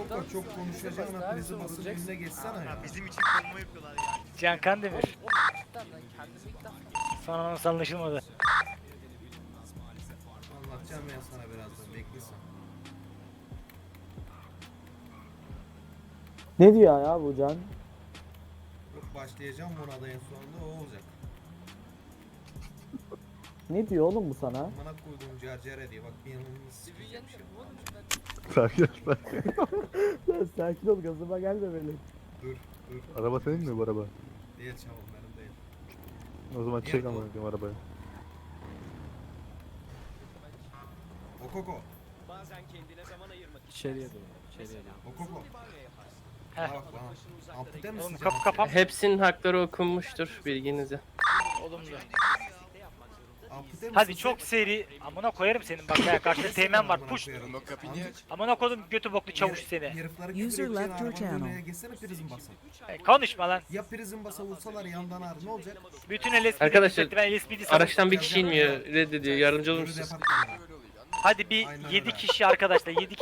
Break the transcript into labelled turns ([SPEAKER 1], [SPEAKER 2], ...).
[SPEAKER 1] Koko çok konuşacağına prizi basıp önüne geçsene ya.
[SPEAKER 2] Bizim için konma yapıyorlar ya.
[SPEAKER 3] Can Kandemir.
[SPEAKER 4] Cidden lan kendimi ilk defa.
[SPEAKER 3] Sonra nasıl anlaşılmadı.
[SPEAKER 1] Anlatacağım ya sana birazdan, beklesin.
[SPEAKER 5] Ne diyor ya bu Can?
[SPEAKER 1] Yok, başlayacağım buna da en sonunda o olacak.
[SPEAKER 5] Ne diyor oğlum bu sana?
[SPEAKER 1] Bana koyduğum cercere diye bak bir yanımda sikecek bir şey.
[SPEAKER 4] Oğlum ben
[SPEAKER 6] Sakin ol sakin.
[SPEAKER 5] Lan sakin ol, gazıma gelme benim.
[SPEAKER 1] Dur dur.
[SPEAKER 6] Araba senin mi bu araba?
[SPEAKER 1] Değil çabuk, benim değil.
[SPEAKER 6] O zaman
[SPEAKER 1] Gel
[SPEAKER 6] çek
[SPEAKER 1] oğlum.
[SPEAKER 6] ama arabayı.
[SPEAKER 1] O Koko.
[SPEAKER 7] İçeriye doğru. İçeriye doğru.
[SPEAKER 1] O Koko.
[SPEAKER 3] Heh.
[SPEAKER 1] Bana bak bana. Ampute misin?
[SPEAKER 3] Oğlum kapı kapan.
[SPEAKER 8] Hepsinin hakları okunmuştur bilginize.
[SPEAKER 3] Olumlu.
[SPEAKER 1] Ampute misin?
[SPEAKER 3] Hadi çok seri. Amına koyarım senin bak ya karşıda teğmen var. Puş. Amına koydum götü boklu çavuş seni.
[SPEAKER 1] Herifleri
[SPEAKER 9] User
[SPEAKER 1] küfür
[SPEAKER 9] left your
[SPEAKER 1] edeceğin arabanın
[SPEAKER 9] channel.
[SPEAKER 1] önüne geçsene prizm basa.
[SPEAKER 3] Konuşma lan.
[SPEAKER 1] Ya prizm basa vursalar yandan ağrı ne olacak?
[SPEAKER 3] Bütün LSPD
[SPEAKER 8] Arkadaşlar,
[SPEAKER 3] ben LSPD
[SPEAKER 8] Araçtan bir kişi inmiyor, reddediyor. Yardımcı olur
[SPEAKER 1] Yürü
[SPEAKER 8] musunuz?
[SPEAKER 1] departmanına.
[SPEAKER 3] Hadi bir
[SPEAKER 1] Aynen
[SPEAKER 3] 7
[SPEAKER 1] öyle.
[SPEAKER 3] kişi arkadaşlar 7